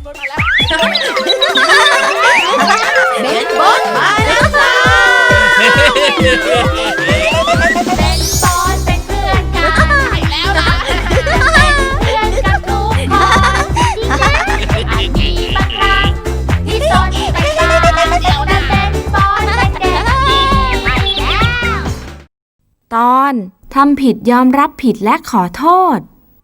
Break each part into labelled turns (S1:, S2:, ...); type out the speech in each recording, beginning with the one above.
S1: เบนบอสมาแล้วค่ะ
S2: เป็นบอสเป็นเพื่อนกันใช่แล้วนะเป็นเพื่อนกับทุกคนที่มีบางครั้งที่สนแต่ตาเดี๋ยวนั้นเป็นบอสเป็นเด็กดีไปแล้ว
S3: ตอนทำผิดยอมรับผิดและขอโทษ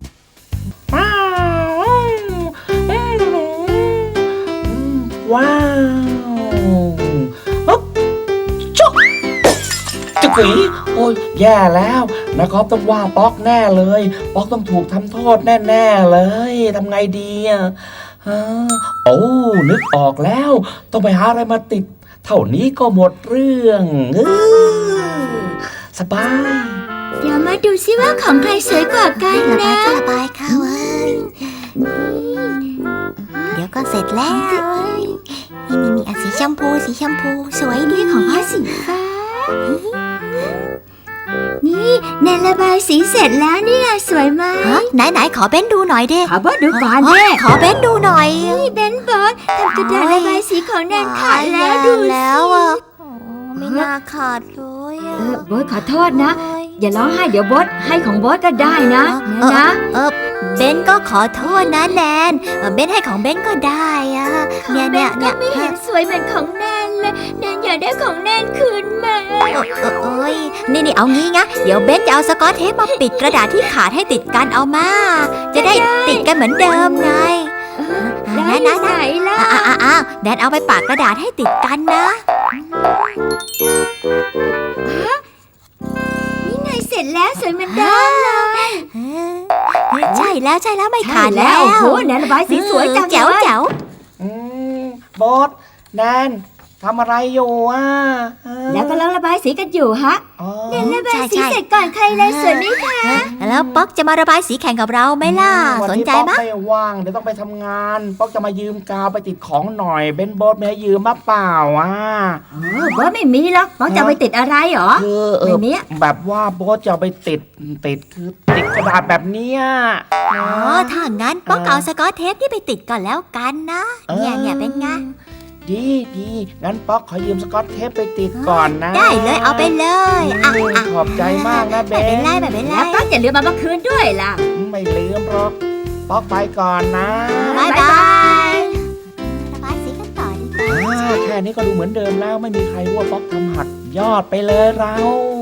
S4: ว้าวฮึบจุ๊กจุ๊กอีโอ้ยแย่แล้วนะครับต้องว่าป๊อกแน่เลยป๊อกต้องถูกทำโทษแน่ๆเลยทำไงดีอ่ะโอ้นึกออกแล้วต้องไปหาอะไรมาติดเท่านี้ก็หมดเรื่องสบาย
S1: เดี๋ยวมาดูซิว่าของใครสวยกว่ากันนะ
S5: ระบายค่ะเว้ยเดี๋ยวก็เสร็จแล้วนี่สีชมพูสวยดี
S1: ของพ่อสีฟ้านี่แนนระบายสีเสร็จแล้วนี่นะสวยไหม
S5: ไหนขอเบ้นดูหน่อยดิ
S1: ขอเบ้นดูก่อนดิ
S5: ขอเบ้นดูหน่อย
S1: นี่เบ้นบอสทำกระดาษระบายสีของแนนขาดแล้วดู
S5: แล้วอ่ะไม่น่าขาดเลย
S1: โบ๊ทขอโทษนะอย่าร้องไห้เดี๋ยวโบ๊ทให้ของโบ๊ทก็ได้นะ
S5: เบนก็ขอโทษนะแนนเบนให้ของเบนก็ได้อะเนี่ย
S1: ไม่เห็นสวยเหมือนของแนนเลยแนนอยากได้ของแนนคืนมา
S5: โอ้ยนี่เอางี้นะเดี๋ยวเบนจะเอาสกอตเทปมาปิดกระดาษที่ขาดให้ติดกันเอามาจะได้ติดกันเหมือนเดิมไง
S1: ได้นะไหนล่ะ
S5: แนนเอาไปปากกระดาษให้ติดกันนะ
S1: นี่ไงเสร็จแล้วสวยเหมือนเดิมเลย
S5: ใช่แล้วไม่ขาดแล้ว
S1: โอ้โหแนนระบายสีสวยจัง
S5: แจ๋ว
S4: บอสแนนทำอะไรอยู่
S1: แล้วก็ระบายสีกันอยู่ฮะแนนระบายสีเสร็จก่อนใครเลยสวยไหมคะ
S5: แล้วป๊อกจะมาระบายสีแข่งกับเราไหมล่ะสนใจไหม
S4: ไม่ว่างเดี๋ยวต้องไปทำงานป๊อกจะมายืมกาวไปติดของหน่อยเบนบอสไม่ให้ยืมมาเปล่า
S1: บอสไม่มีหรอกป๊อกจะไปติดอะไรหรอ
S4: ไม่มีแบบว่าบอสจะไปติดคือติดกระดาษแบบเนี้ย
S5: ถ้างั้นป๊อกเอาสกอตเทปที่ไปติดก่อนแล้วกันนะเนี่ยเป็นไง
S4: ดีงั้นป๊อกขอยืมสกอตเทปไปติดก่อนนะ
S5: ได้เลยเอาไปเลย
S4: ขอบใจมากนะเบน
S5: ไม่เป็นไร
S1: แล้วป๊อกอย่าลืมมาคืนด้วยล่ะ
S4: ไม่ลืมหรอกป๊อกไปก่อนนะ
S5: บ๊ายบายระบายสีกันต่อดีกว่า
S4: แค่นี้ก็ดูเหมือนเดิมแล้วไม่มีใครรู้ว่าป๊อกทำหักยอดไปเลยเรา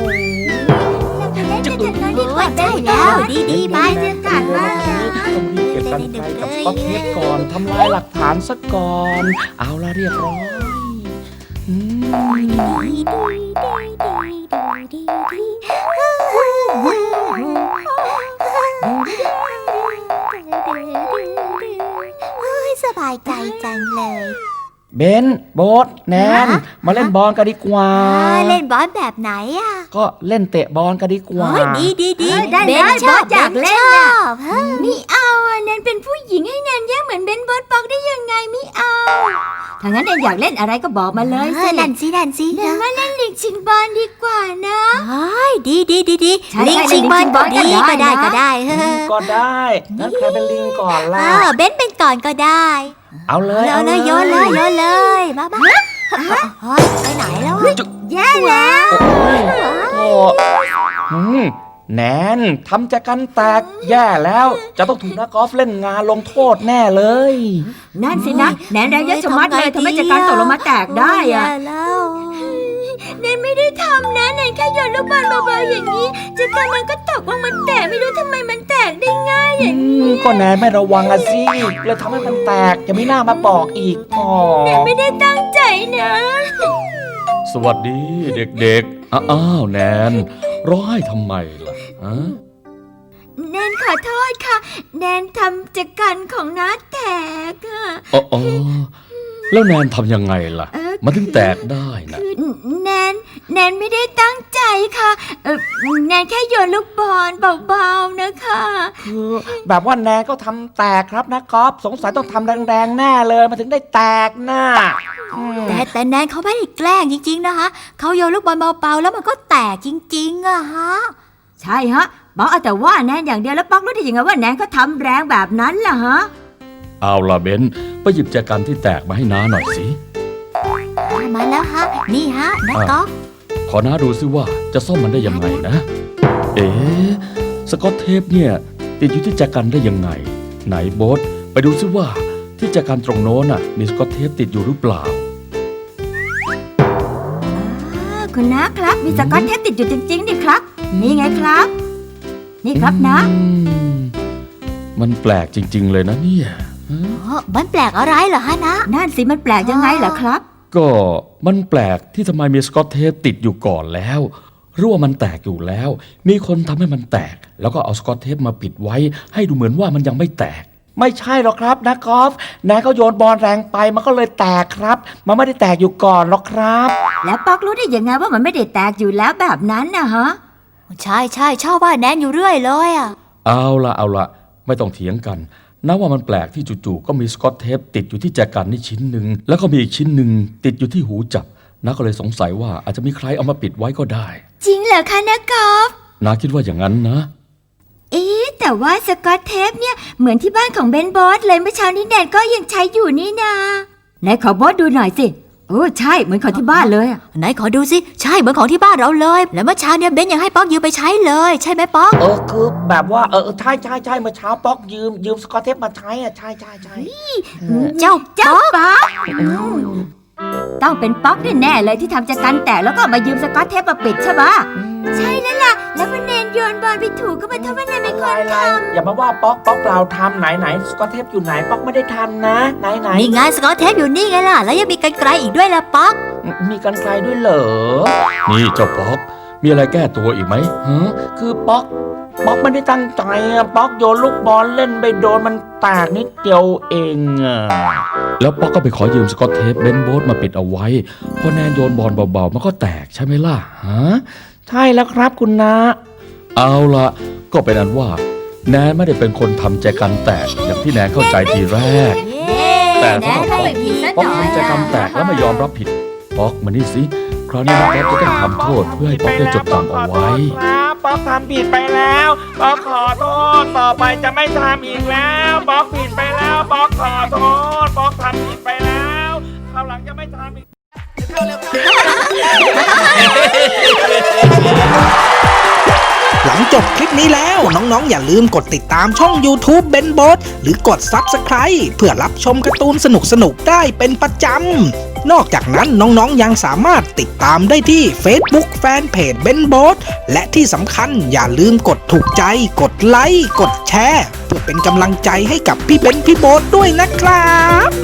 S5: จะดูใช่แล้วดีไป
S1: เรื่องการว่า
S4: ต้องรีบเก็บกันไกลกับสกอตเทปก่อนทำลายหลักฐานซะก่อนเอาละเรียบร้อย
S5: สบายใจจังเลย
S4: เบนโบ๊ทแนนมาเล่นบอลกันดีกว่า
S5: เล่นบอลแบบไหน
S4: ก็เล่นเตะบอลกันดีกว่า
S5: ดี
S1: ได้บอสอยากเล่นไม่เอาแนนเป็นผู้หญิงให้แนนแย่เหมือนเบนบอสปอกได้ยังไงไม่เอาถ้างั้นแนนอยากเล่นอะไรก็บอกมาเลย
S5: นั่นสิ
S1: แนนว่าเล่นลิงชิงบอลดีกว่านะ
S5: ดีลิงชิงบอลก็ได้
S4: ก็ได้งั้นใครเป็นลิงก่อนล่ะ
S5: เบนเป็นก่อนก็ได้
S4: เอาเลย
S5: โยนเลยมาไปไหนแล้ว
S1: แย่แล้ว
S4: แนนทำจากกันแตกแย่แล้วจะต้องถูกนักกอล์ฟเล่นงานลงโทษแน่เลย
S1: นั่นสินะแนนแรงเยอะชะมัดเลยทำให้จากการตกลงมาแตกได้แนนไม่ได้ทำนะแนนแค่โยนลูกบอลเบาๆอย่างนี้จากการมันก็ตกลงมาแตกไม่รู้ทำไมมันแตกได้ง่ายอย่างนี้
S4: ก็แนนไม่ระวังสิเลยทำให้มันแตกจะไม่น่ามาบอกอีก
S1: แนนไม่ได้ตั้งใจนะ
S6: สวัสดีเด็กๆอ้าวแนนร้องไห้ทำไมล่ะ
S1: แนนขอโทษค่ะแนนทำจากกันของน้าแตก
S6: อ๋อแล้วแนนทำยังไงล่ะมันถึงแตกได้นะ
S1: แนนไม่ได้ตั้งใจค่ะแนนแค่โยนลูกบอลเบาๆนะคะ
S4: คือแบบว่าแนนก็ทำแตกครับนะก๊อฟสงสัยต้องทำแรงๆแน่เลยมันถึงได้แตกน่ะ
S5: แต่แนนเขาไม่ได้แกล้งจริงๆนะคะเขาโยนลูกบอลเบาๆแล้วมันก็แตกจริงๆอะฮะ
S1: ใช่ฮะบอกเอาแต่ว่าแนนอย่างเดียวแล้วป๊อกรู้ได้ยังไงว่าแนนเขาทำแรงแบบนั้นล่ะฮะ
S6: เอาล่ะเบนไปหยิบแจกันที่แตกมาให้น้าหน่อยสิ
S5: มาแล้วฮะ นี่ฮะนะก๊อฟ
S6: ขอน้าดูซิว่าจะซ่อมมันได้ยังไงนะ เอ๊ะสกอตเทปเนี่ยติดอยู่ที่แจกันได้ยังไง ไหนโบ๊ทไปดูซิว่าที่แจกันตรงโน้นน่ะมีสกอตเทปติดอยู่หรือเปล่า
S1: คุณน้าครับมีสกอตเทปติดอยู่จริงๆดิครับ นี่ไงครับ นี่ครับนะ
S6: มันแปลกจริง ๆ เลยนะเนี่ย
S5: มันแปลกอะไรเหรอฮะนะ
S1: นั่นสิมันแปลกยังไงเหรอครับ
S6: ก็มันแปลกที่ทำไมมีสกอตเทปติดอยู่ก่อนแล้วหรือว่ามันแตกอยู่แล้ว มีคนทำให้มันแตก แล้วก็เอาสกอตเทปมาปิดไว้ ให้ดูเหมือนว่ามันยังไม่แตก
S4: ไม่ใช่หรอกครับนะกอล์ฟนายก็โยนบอลแรงไปมันก็เลยแตกครับ มันไม่ได้แตกอยู่ก่อนหรอกครับ
S1: แล้วป๊อกรู้ได้ยังไงว่ามันไม่ได้แตกอยู่แล้วแบบนั้นนะฮะ
S5: ใช่ใช่ชอบว่าแนนอยู่เรื่อยเลยอ่ะ
S6: เอาละไม่ต้องเถียงกันนะว่ามันแปลกที่จู่ๆก็มีสกอตเทปติดอยู่ที่แจกันนี่ชิ้นหนึ่งแล้วก็มีอีกชิ้นหนึ่งติดอยู่ที่หูจับน้าก็เลยสงสัยว่าอาจจะมีใครเอามาปิดไว้ก็ได้
S1: จริงเหรอคะนะกอล์ฟ
S6: น้าคิดว่าอย่างนั้นนะ
S1: แต่ว่าสกอตเทปเนี่ยเหมือนที่บ้านของเบนบอสเลยเมื่อเช้านี้แดนก็ยังใช้อยู่นี่นาไหนขอบอสดูหน่อยสิโอ้ใช่เหมือนของที่บ้านเลยอะ
S5: ไหนขอดูสิ ใช่เหมือนของที่บ้านเราเลย แล้วเมื่อเช้าเนี่ยเบนยังให้ป๊อกยืมไปใช้เลย ใช่ไหมป๊อก
S4: คือแบบว่าใช่เมื่อเช้าป๊อกยืมสกอตเทปมาใช้อ่ะใช่
S5: เจ้า
S1: เจ้าป๊อกต้องเป็นป๊อกแน่ๆเลยที่ทำจากกันแตกแล้วก็มายืมสกอตเทปมาปิดใช่ปะใช่แล้วล่ะแล้วพอเนนโยนบอลไปถูกก็มาโทษว่าเนนเป็นคนทำ
S4: อย่ามาว่าป๊อกเปล่าทำไหนสกอตเทปอยู่ไหนป๊อกไม่ได้ทำนะไหน
S5: นี่ไงสกอตเทปอยู่นี่ไงล่ะ แล้วยังมีกรรไกรอีกด้วยล่ะป๊อก
S4: มีกันไกลด้วยเหรอ
S6: นี่เจ้าป๊อกมีอะไรแก้ตัวอีกไหมฮะ
S4: คือป๊อกไม่ได้ตั้งใจอะป๊อกโยนลูกบอลเล่นไปโดนมันแตกนิดเดียวเองอะ
S6: แล้วป๊อกก็ไปขอยืมสกอตเทปเบนโบ๊ทมาปิดเอาไว้พอแนนโยนบอลเบาๆมันก็แตกใช่ไหมล่ะฮะ
S4: ใช่แล้วครับคุณนา
S6: เอาละก็เป็นอันว่าแนนไม่ได้เป็นคนทำแจกันแตกอย่างที่แนนเข้าใจทีแรก แต่สำหรับป๊อกทำแจกันแตกแล้วไม่ยอมรับผิดป๊อกมานี่สิคราวนี้นะป๊อกจะต้องทำโทษเพื่อให้ป๊อกได้จดจำเอาไว้
S4: ครับป๊อกทำผิดไปแล้วป๊อกขอโทษต่อไปจะไม่ทำอีกแล้วป๊อกผิดไปแล้วป๊อกขอโทษป๊อกทำผิดไปแล้วคราวหลังจะไม่ทำอีก
S7: หลังจบคลิปนี้แล้วน้องๆอย่าลืมกดติดตามช่อง YouTube Ben Boat หรือกด Subscribe เพื่อรับชมการ์ตูนสนุกๆได้เป็นประจำนอกจากนั้นน้องๆยังสามารถติดตามได้ที่ Facebook Fanpage Ben Boat และที่สำคัญอย่าลืมกดถูกใจกดไลค์กดแชร์เพื่อเป็นกำลังใจให้กับพี่เบนพี่โบ๊ทด้วยนะครับ